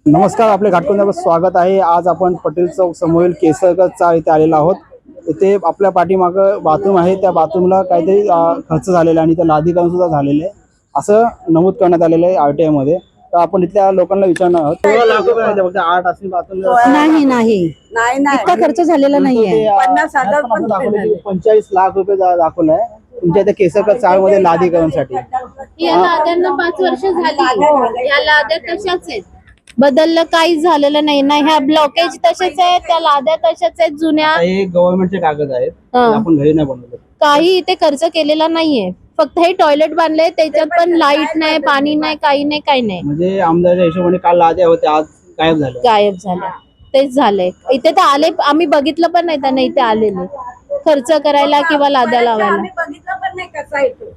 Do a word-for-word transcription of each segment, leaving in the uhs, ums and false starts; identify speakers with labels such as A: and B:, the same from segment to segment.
A: नमस्कार, आपले घाटकोंद्यावर स्वागत आहे। आज आपण पटेल चौक समोरील केसरकर चाळ इथे आलेलो आहोत। इथे आपल्या पाठीमागं बाथरूम आहे, त्या बाथरूमला काहीतरी खर्च झालेला आणि त्या लादीकरण सुद्धा झालेलं आहे असं नमूद करण्यात आलेलं आहे आरटीआय मध्ये। तर आपण इथल्या लोकांना विचारणार आहोत, सोळा लाख रुपये फक्त आठ असतील बाथरूम
B: नाही नाही नाही नाही इतका खर्च झालेला नाहीये।
A: पन्नास हजार पण दाखवले, पंचेचाळीस लाख रुपये दाखवलंय तुमच्या इथे केसरकर चाळ मध्ये लादीकरणसाठी।
C: या लाद्यांना पाच वर्ष झाली, या लाद्या तशाच आहेत, बदललं काहीच झालेलं नाही ना। ह्या ब्लॉकेज तसेच आहेत, त्या लाद्या तशाच आहेत जुन्या।
A: हे गव्हर्नमेंटचे कागद आहेत, आपण घरी नाही बनवले,
C: काही इथे खर्च केलेला नाहीये। फक्त हे टॉयलेट बांधले, त्याच्यात पण लाईट नाही, पाणी नाही, काही नाही, काही नाही।
A: म्हणजे आमदारच्या हिशोबाने काल लाद्या होत्या, आज गायब झाले
C: गायब झाल्या, तेच झालंय। इथे तर आले, आम्ही बघितलं पण नाही त्यांना इथे आलेले खर्च करायला किंवा लाद्या लावायला।
B: बघितलं पण नाही कसा येतो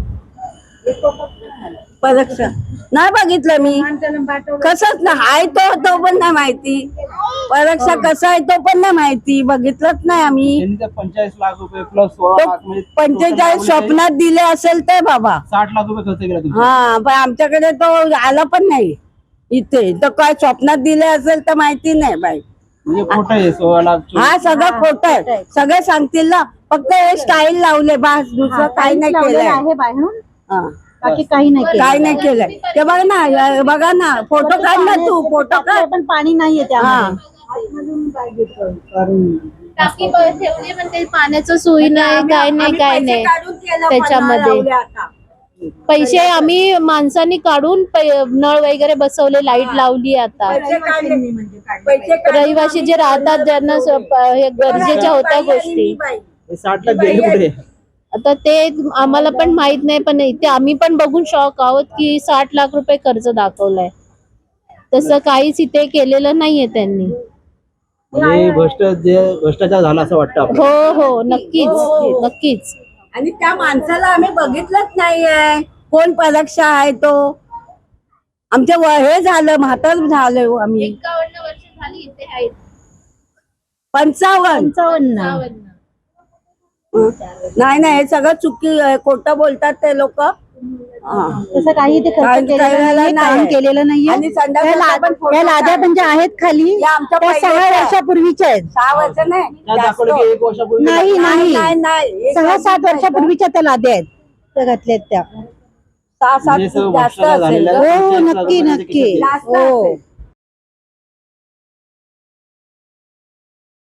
B: परीक्षा नाही बघितलं मी, कसंच ना हाय तो तो पण नाही माहिती, परीक्षा कसा आहे तो पण नाही माहिती, बघितलंच नाही आम्ही।
A: पंचेचाळीस लाख रुपये प्लस सोळा लाख म्हणजे
B: पंचेचाळीस स्वप्नात दिले असेल ते बाबा,
A: साठ लाख रुपये खर्च केला तुम्ही।
B: हा पण आमच्याकडे तो आला पण नाही इथे, तर काय स्वप्नात दिले असेल तर माहिती नाही बाई।
A: म्हणजे खोटं आहे सोळा लाख,
B: हा सगळं खोटं आहे, सगळे सांगतील ना, फक्त हे स्टाईल लावले बस, दुसरं काही नाही केलंय
C: आहे बाहेरून,
B: हा
C: बाकी काही नाही
B: काय नाही केलंय। ते बघ ना, बघा ना, फोटो काढ ना तू, फोटो काढ, पण पाणी नाहीये
C: टाकी ठेवली म्हणजे पाण्याचं सोयी नाही, काय नाही, काय नाही त्याच्यामध्ये। पैसे आम्ही माणसांनी काढून नळ वगैरे बसवले, लाईट लावली। आता रहिवासी जे राहतात, ज्यांना हे गरजेच्या होत्या गोष्टी,
A: साठ लाख गेले कुठे?
C: आता ते आम्हाला पण माहित नाही, पण ते आम्ही पण बघून शॉक आहोत की साठ लाख रुपये कर्ज दाखवलाय, तसं काहीच इथे केलेलं नाहीये त्यांनी।
A: म्हणजे भ्रष्ट जे भ्रष्टाचार झाला असं वाटतं आपल्याला।
C: हो हो नक्कीच नक्कीच।
B: आणि त्या माणसाला आम्ही बघितलंच नाहीये, कोण परीक्षा आहे तो। आमच्या हे झालं, म्हातार झालं आम्ही।
C: एकावन्न वर्ष झाली इथे आहेत,
B: पंचावन्न
C: पंचावन्न।
B: नाही नाही, हे सगळं चुकी, खोटं बोलतात ते लोक।
D: तसं काही ते खर्च केलेलं नाही, केलेलं नाहीये।
B: आणि
D: या लाद्या म्हणजे आहेत खाली, त्या सहा वर्षापूर्वीच्या आहेत।
B: सहा वर्ष नाही,
A: एक वर्षापूर्वी
D: नाही नाही
B: नाही,
D: सहा सात वर्षापूर्वीच्या त्या लाद्या आहेत, त्या घातल्यात त्या।
B: सहा सात जास्त असेल,
D: हो नक्की नक्की, हो